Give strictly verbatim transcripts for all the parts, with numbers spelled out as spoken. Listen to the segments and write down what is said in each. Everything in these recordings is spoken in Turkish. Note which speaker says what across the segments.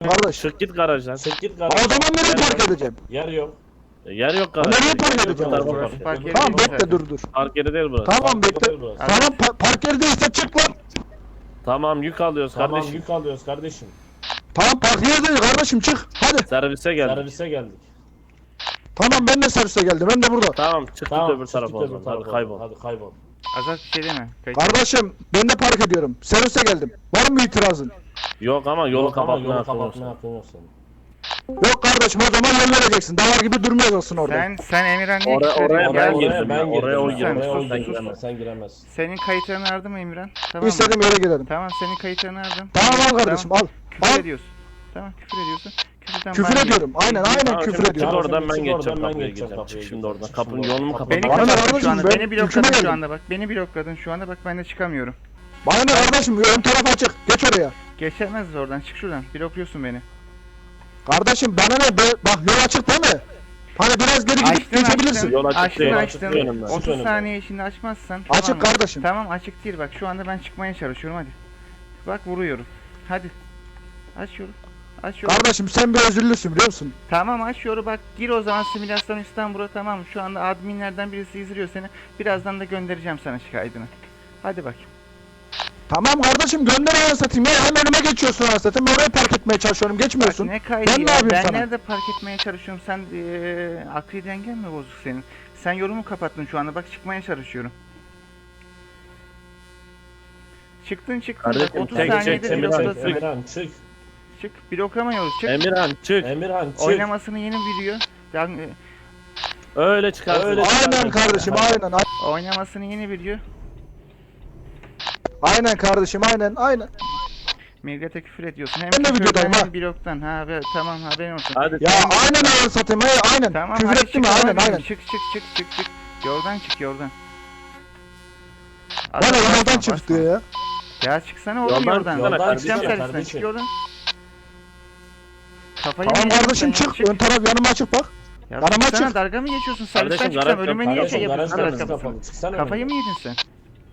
Speaker 1: kardeş?
Speaker 2: Çık git garajdan.
Speaker 3: Çık git
Speaker 1: O
Speaker 3: garajdan.
Speaker 1: zaman nereye
Speaker 2: Yer
Speaker 1: park
Speaker 2: yok.
Speaker 1: edeceğim?
Speaker 3: Yer yok.
Speaker 2: Yer yok
Speaker 1: Nereye
Speaker 2: garajda.
Speaker 1: park
Speaker 2: Yer yok,
Speaker 1: edeceğim?
Speaker 2: bu tarafa
Speaker 4: Burası
Speaker 2: park
Speaker 4: park
Speaker 2: et.
Speaker 4: yeri
Speaker 1: Tamam
Speaker 4: değil
Speaker 1: bekle
Speaker 4: zaten.
Speaker 1: dur dur.
Speaker 2: Park yeri değil burası.
Speaker 1: Tamam bekle.
Speaker 3: Değil burası.
Speaker 1: Tamam pa- park yeri değilse çık lan.
Speaker 2: Tamam yük alıyoruz
Speaker 3: Tamam
Speaker 2: kardeşim.
Speaker 3: yük alıyoruz kardeşim.
Speaker 1: Tamam park yeri değil kardeşim çık. Hadi.
Speaker 2: Servise geldik.
Speaker 3: Servise geldik.
Speaker 1: Tamam ben de servise geldim. Ben de burada.
Speaker 2: Tamam çık
Speaker 3: Tamam
Speaker 2: git öbür
Speaker 3: çık
Speaker 2: tarafa
Speaker 3: git
Speaker 2: o
Speaker 3: öbür
Speaker 2: zaman.
Speaker 3: tarafa.
Speaker 2: Hadi kaybol.
Speaker 3: Hadi kaybol.
Speaker 4: Azat bir şey deme. Kayıt.
Speaker 1: Kardeşim ben de park ediyorum. Servise geldim. Var mı itirazın?
Speaker 2: Yok ama yolu
Speaker 3: Yok ama
Speaker 2: kapatmaya
Speaker 3: yolu
Speaker 2: hakkın yok
Speaker 3: kapatmaya
Speaker 2: senin.
Speaker 3: hakkın yok senin.
Speaker 1: Yok kardeşim o zaman yol vereceksin. Davar gibi durmayacaksın orada.
Speaker 4: Sen sen Emirhan niye
Speaker 2: Oraya-
Speaker 4: küfür
Speaker 2: oraya
Speaker 4: ediyorsun?
Speaker 2: ben
Speaker 4: Gel.
Speaker 2: girdim.
Speaker 3: ben
Speaker 2: ya, oraya o
Speaker 3: girdim.
Speaker 2: girmiş,
Speaker 3: Oraya o
Speaker 2: sen
Speaker 3: girmiş.
Speaker 2: giremezsin.
Speaker 3: Sen giremezsin.
Speaker 4: Senin kayıtlarını aradım mı Emirhan? Tamam mı?
Speaker 1: İstediğim yere gidelim.
Speaker 4: Tamam senin kayıtlarını aradım.
Speaker 1: Tamam al kardeşim al.
Speaker 4: Küfür
Speaker 1: Al.
Speaker 4: ediyorsun. Tamam küfür ediyorsun. Küfürden
Speaker 1: Küfür
Speaker 4: bana
Speaker 1: ediyorum.
Speaker 4: gel.
Speaker 1: Aynen aynen
Speaker 2: Tamam,
Speaker 1: küfür
Speaker 2: şimdi çık
Speaker 1: ediyorum.
Speaker 2: oradan ben
Speaker 3: Çık
Speaker 2: geçeceğim
Speaker 3: oradan ben
Speaker 2: kapıya
Speaker 3: geçeceğim
Speaker 2: gireceğim.
Speaker 3: kapıya
Speaker 2: Çık şimdi
Speaker 3: gireceğim.
Speaker 2: oradan.
Speaker 3: Çık
Speaker 2: Kapının
Speaker 3: şimdi
Speaker 2: yolunu
Speaker 3: oradan.
Speaker 4: Beni
Speaker 2: kapat.
Speaker 1: Bana ne
Speaker 4: kapatın şu
Speaker 1: kardeşim,
Speaker 4: anda.
Speaker 1: ben
Speaker 4: Beni blokladın
Speaker 1: hüküme
Speaker 4: şu
Speaker 1: geldim.
Speaker 4: anda bak. Beni blokladın şu anda bak ben de çıkamıyorum.
Speaker 1: Bana ne kardeşim ön taraf açık. Geç oraya.
Speaker 4: Geçemezsiniz oradan. Çık şuradan. Blokluyorsun beni.
Speaker 1: Kardeşim bana ne? Be- bak yol açık değil mi? Hani biraz geri gidip
Speaker 4: Açtın
Speaker 1: geçebilirsin.
Speaker 4: açtın.
Speaker 2: Yol açık
Speaker 4: Açtın
Speaker 2: değil,
Speaker 3: açık
Speaker 4: açtın.
Speaker 3: değil önümden. Açık
Speaker 4: otuz
Speaker 3: önümden.
Speaker 4: saniye içinde açmazsan.
Speaker 1: Açık
Speaker 4: tamam mı?
Speaker 1: kardeşim.
Speaker 4: Tamam açık değil bak şu anda ben çıkmaya çalışıyorum hadi. Bak vuruyorum. Hadi. Aç yolu. Aç yolu.
Speaker 1: Kardeşim sen bir özürlüsün biliyor musun?
Speaker 4: Tamam aç yolu bak gir o zaman simülasyon İstanbul'a tamam mı? Şu anda adminlerden birisi izliyor seni. Birazdan da göndereceğim sana şikayetini. Hadi bak.
Speaker 1: Tamam kardeşim gönder anasını satayım ya. Hem önüme geçiyorsun anasını satayım. Ben oraya park etmeye çalışıyorum.
Speaker 4: Bak
Speaker 1: Geçmiyorsun.
Speaker 4: ne kaydı
Speaker 1: Ben ne
Speaker 4: ya?
Speaker 1: yapayım
Speaker 4: Ben
Speaker 1: sana?
Speaker 4: nerede park etmeye çalışıyorum? Sen eee akli dengen mi bozuk senin? Sen yolumu kapattın şu anda. Bak çıkmaya çalışıyorum. Çıktın çıktın. Bak
Speaker 2: Kardeşim,
Speaker 4: otuz
Speaker 2: tek
Speaker 4: saniyede
Speaker 2: çek, Emirhan,
Speaker 4: bloklasın.
Speaker 2: tek.
Speaker 3: Emirhan çık.
Speaker 4: Çık. Bloklamıyoruz. Çık.
Speaker 2: Emirhan çık.
Speaker 3: Emirhan çık.
Speaker 4: Oynamasını yeni video. Ben, e,
Speaker 2: Öyle çıkarsın.
Speaker 3: Öyle
Speaker 1: Aynen kardeşim aynen. a-
Speaker 4: oynamasını yeni video.
Speaker 1: Aynen kardeşim aynen aynen.
Speaker 4: Millete küfür ediyorsun. Hem
Speaker 1: Ben de
Speaker 4: küfürden
Speaker 1: videodayım
Speaker 4: hem
Speaker 1: ha.
Speaker 4: bloktan. Ha be, tamam haberin olsun.
Speaker 2: Hadi
Speaker 1: Ya
Speaker 2: sen-
Speaker 1: aynen anasını satayım. Hey, aynen.
Speaker 4: Tamam
Speaker 1: Küfür
Speaker 4: hadi
Speaker 1: ettim
Speaker 4: çık
Speaker 1: aynen
Speaker 4: oradan.
Speaker 1: aynen.
Speaker 4: Çık çık çık çık çık. Yordan çık yordan.
Speaker 1: Bana
Speaker 4: Adam
Speaker 1: yoldan
Speaker 4: basma,
Speaker 1: çık
Speaker 4: basma.
Speaker 1: diyor ya.
Speaker 4: Ya çıksana oğlum
Speaker 2: Yoldan
Speaker 4: yordan.
Speaker 2: çıksana
Speaker 4: Çıkacağım
Speaker 3: kardeşim,
Speaker 4: servisten çık
Speaker 3: kardeşim.
Speaker 4: yordan. Kafayı
Speaker 1: Tamam
Speaker 4: mı yedin
Speaker 1: kardeşim
Speaker 4: sen ya?
Speaker 1: çık.
Speaker 4: Çık.
Speaker 1: Ön taraf yanıma açık bak.
Speaker 4: Ya
Speaker 1: Yanıma
Speaker 4: çıksana
Speaker 1: çık.
Speaker 4: dalga mı geçiyorsun? Servisten
Speaker 2: Kardeşim,
Speaker 4: çıksam
Speaker 2: garaj
Speaker 4: ölüme
Speaker 2: yok,
Speaker 4: niye
Speaker 2: garaj
Speaker 4: şey
Speaker 2: yok,
Speaker 4: yapıyorsun?
Speaker 3: Garaj
Speaker 4: Garaj
Speaker 3: kapısı
Speaker 4: kapısı.
Speaker 3: kapalı. Çıksana
Speaker 4: Kafayı
Speaker 3: önüme.
Speaker 4: mı yedin sen?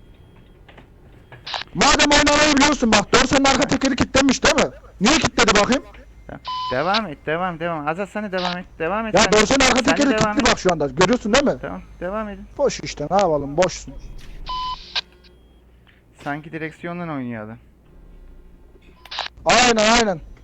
Speaker 1: Madem oynamayı biliyorsun bak. Dorsen'in arka tekeri kilitlenmiş değil mi? Niye kilitledi bakayım?
Speaker 4: Tamam. Devam et devam devam. Azat sen de devam et. Devam et.
Speaker 1: Ya
Speaker 4: sen de.
Speaker 1: Dorsen'in arka
Speaker 4: Sen de
Speaker 1: tekeri
Speaker 4: devam
Speaker 1: kilitli
Speaker 4: et.
Speaker 1: bak şu anda. Görüyorsun değil mi?
Speaker 4: Tamam devam edin.
Speaker 1: Boş işte ne yapalım boşsun.
Speaker 4: Sanki direksiyondan oynuyor adam.
Speaker 1: Aynen aynen.